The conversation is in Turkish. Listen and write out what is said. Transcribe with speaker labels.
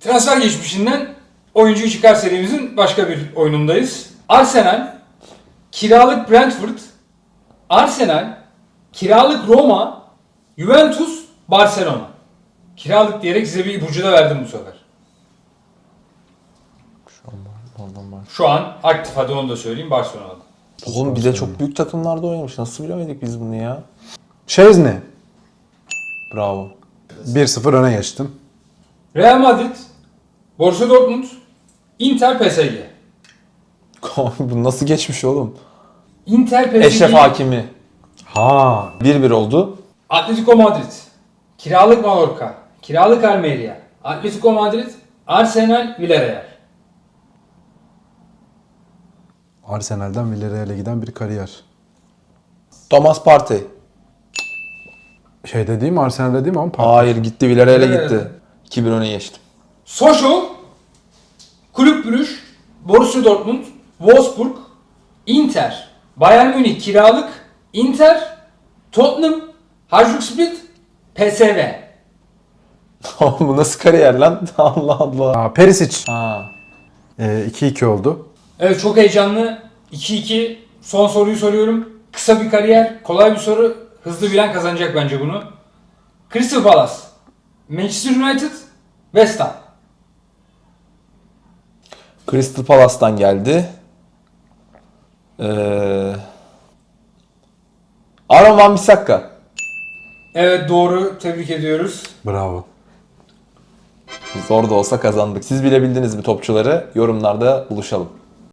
Speaker 1: Transfer geçmişinden oyuncuyu çıkar serimizin başka bir oyunundayız. Arsenal, kiralık Brentford, Arsenal, kiralık Roma, Juventus, Barcelona. Kiralık diyerek size bir ipucu da verdim bu sefer. Şu an aktif, hadi onu da söyleyeyim, Barcelona'da.
Speaker 2: Oğlum bir de çok büyük takımlarda oynamış. Nasıl bilemedik biz bunu ya?
Speaker 3: Şezny.
Speaker 2: Bravo.
Speaker 3: 1-0 öne geçtim.
Speaker 1: Real Madrid, Borussia Dortmund, Inter, PSG.
Speaker 2: Bu nasıl geçmiş oğlum?
Speaker 1: Inter, PSG,
Speaker 2: Eşref Hakimi.
Speaker 3: Ha.
Speaker 2: 1-1 oldu.
Speaker 1: Atletico Madrid, kiralık Mallorca, kiralık Almeria, Atletico Madrid, Arsenal, Villarreal.
Speaker 3: Arsenal'den Villarreal'e giden bir kariyer.
Speaker 2: Thomas Partey.
Speaker 3: Şey dediğim Arsenal dediğim ama
Speaker 2: Hayır gitti Villarreal'e
Speaker 1: Evet.
Speaker 2: gitti. 2-1 öne geçtim.
Speaker 1: Sochaux, Kulüp Brugge, Borussia Dortmund, Wolfsburg, Inter, Bayern Münih kiralık, Inter, Tottenham, Hajduk Split, PSV.
Speaker 2: Oğlum bu nasıl kariyer lan? Allah Allah.
Speaker 3: Aa, Perisic.
Speaker 2: Ha.
Speaker 3: 2-2 oldu.
Speaker 1: Evet, çok heyecanlı. 2-2. Son soruyu soruyorum. Kısa bir kariyer, kolay bir soru. Hızlı bilen kazanacak bence bunu. Crystal Palace, Manchester United, West Ham.
Speaker 2: Crystal Palace'tan geldi. Aaron Wan-Bissaka.
Speaker 1: Evet, doğru. Tebrik ediyoruz.
Speaker 3: Bravo.
Speaker 2: Zor da olsa kazandık. Siz bilebildiniz mi topçuları? Yorumlarda buluşalım.